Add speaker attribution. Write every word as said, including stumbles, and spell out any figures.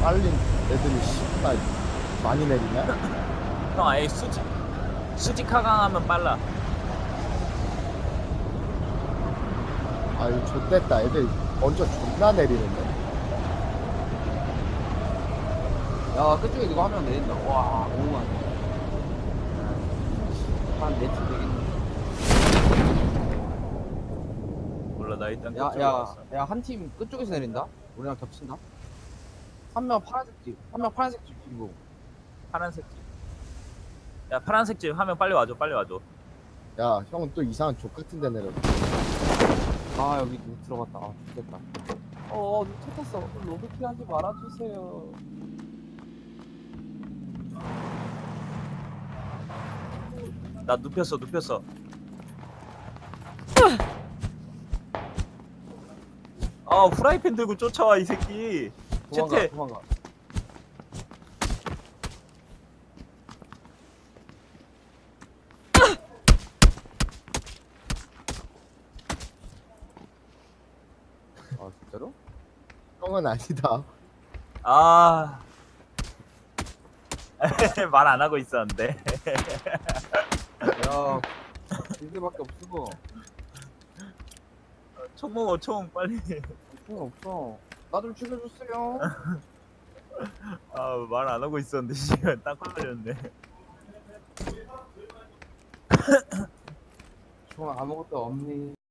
Speaker 1: 빨린 애들이 씨발 많이 내리냐?
Speaker 2: 형 아예 수직 수직 하강하면 빨라.
Speaker 1: 아유 좆됐다. 애들 먼저 존나 내리는데.
Speaker 3: 야 그쪽에 누가 한 명 내린다. 와 오만 한네팀 되겠네.
Speaker 2: 몰라 나 일단 그쪽으로
Speaker 3: 야야
Speaker 2: 갔어.
Speaker 3: 야 한 팀 끝쪽에서 내린다. 우리랑 겹친다. 한 명 파란색 집, 한 명 파란색 집 그리고
Speaker 2: 파란색 집. 야 파란색 집 하면 빨리 와줘 빨리 와줘.
Speaker 1: 야 형은 또 이상한 족 같은 데 내려.
Speaker 3: 아 여기 누 들어갔다. 아 죽겠다. 어 누차 탔어. 로드킬 하지 말아주세요.
Speaker 2: 나 눕혔어 눕혔어. 아 후라이팬 들고 쫓아와 이 새끼.
Speaker 3: 도망가
Speaker 2: 채태.
Speaker 3: 도망가. 아 진짜로?
Speaker 1: 형은 아니다.
Speaker 2: 아. 말 안 하고 있었는데.
Speaker 3: 야 빌드밖에 없어.
Speaker 2: 총 먹어 총 빨리.
Speaker 3: 총 없어. 나 좀 죽여줬어요.
Speaker 2: 아 말 안 하고 있었는데 시간 딱 걸렸네.
Speaker 3: 총 아무것도 없니?